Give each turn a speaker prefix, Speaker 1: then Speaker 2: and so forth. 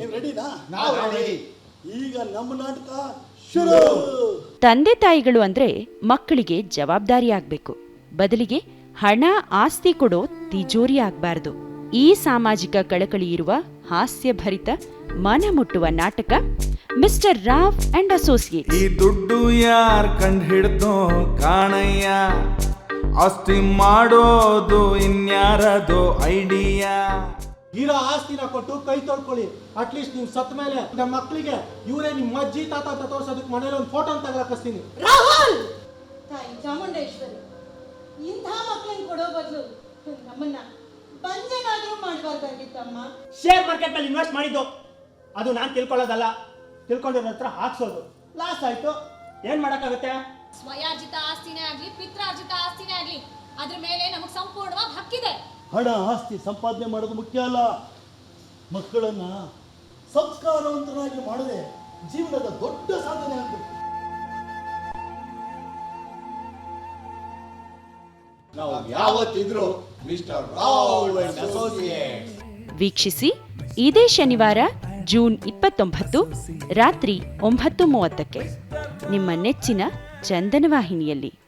Speaker 1: ನೀವು ರೆಡಿನಾ? ನಾವು ರೆಡಿ. ಈಗ ನಮ್ಮ ನಾಟಕ ಶುರು.
Speaker 2: ತಂದೆ ತಾಯಿಗಳು ಅಂದ್ರೆ ಮಕ್ಕಳಿಗೆ ಜವಾಬ್ದಾರಿ ಆಗ್ಬೇಕು, ಬದಲಿಗೆ ಹಣ ಆಸ್ತಿ ಕೊಡೋ ತಿಜೋರಿ ಆಗ್ಬಾರ್ದು. ಈ ಸಾಮಾಜಿಕ ಕಳಕಳಿ ಇರುವ ಹಾಸ್ಯಭರಿತ ಮನ ಮುಟ್ಟುವ ನಾಟಕ ಮಿಸ್ಟರ್ ರಾವ್ ಅಂಡ್ ಅಸೋಸಿಯೇಟ್.
Speaker 3: ಈ ದುಡ್ಡು ಯಾರ್ ಕಂಡು ಹಿಡ್ದೋ ಕಾಣಯ್ಯ, ಆಸ್ತಿ ಮಾಡೋದು ಇನ್ಯಾರದು ಐಡಿಯಾ.
Speaker 4: ಇರೋ ಆಸ್ತಿನ ಕೊಟ್ಟು ಕೈ ತೊಳ್ಕೊಳ್ಳಿ. ಅಟ್ಲೀಸ್ಟ್ ನೀವು ಸತ್ತ ಮೇಲೆ ನಮ್ಮ ಮಕ್ಕಳಿಗೆ ಇವರೇ ನಿಮ್ಮ ಅಜ್ಜಿ ತಾತ ಅಂತ ತೋರ್ಸೋದಕ್ಕೆ ಮನೇಲಿ ಒಂದು ಫೋಟೋ ತಗೊಳಕಿಸ್ತೀನಿ.
Speaker 5: ರಾಹುಲ್, ತಾಯಿ ಚಾಮುಂಡೇಶ್ವರಿ ಇಂಥ ಮಕ್ಕಳನ್ನ ಕೊಡೋ ಬದಲು ನಮ್ಮನ್ನ ಬಂಜನಾದ್ರೂ ಮಾಡಬಾರ್ದಾಗಿತ್ತಮ್ಮ.
Speaker 4: ಶೇರ್ ಮಾರ್ಕೆಟ್ ನಲ್ಲಿ ಇನ್ವೆಸ್ಟ್ ಮಾಡಿದ್ದು ಅದು ನಾನು ತಿಳ್ಕೊಳ್ಳೋದಲ್ಲ, ತಿಳ್ಕೊಂಡಿರೋ ಹತ್ರ ಹಾಕ್ಸೋದು. ಲಾಸ್ ಆಯ್ತು, ಏನ್ ಮಾಡಕ್ಕಾಗುತ್ತೆ?
Speaker 6: ಸ್ವಯಾರ್ಜಿತ ಆಸ್ತಿನೇ ಆಗ್ಲಿ ಪಿತ್ರಾರ್ಜಿತ ಆಸ್ತಿನೇ ಆಗ್ಲಿ ಅದ್ರ ಮೇಲೆ ನಮಗ್ ಸಂಪೂರ್ಣವಾಗಿ ಹಕ್ಕಿದೆ.
Speaker 1: ಹಣ ಆಸ್ತಿ ಸಂಪಾದನೆ ಮಾಡೋದು ಮುಖ್ಯ ಅಲ್ಲ, ಮಕ್ಕಳನ್ನ ಸಂಸ್ಕಾರವಂತರಾಗಿ ಮಾಡದೆ ಜೀವನದ ದೊಡ್ಡ ಸಾಧನೆ ಆಗಬೇಕು. ನಾವು ಯಾವತ್ತಿದ್ರು ಮಿಸ್ಟರ್ ರಾವ್ ಅಂಡ್ ಅಸೋಸಿಯೇಟ್ಸ್.
Speaker 2: ವೀಕ್ಷಿಸಿ ಇದೇ ಶನಿವಾರ ಜೂನ್ 29 ರಾತ್ರಿ 9:30 ನಿಮ್ಮ ನೆಚ್ಚಿನ ಚಂದನ ವಾಹಿನಿಯಲ್ಲಿ.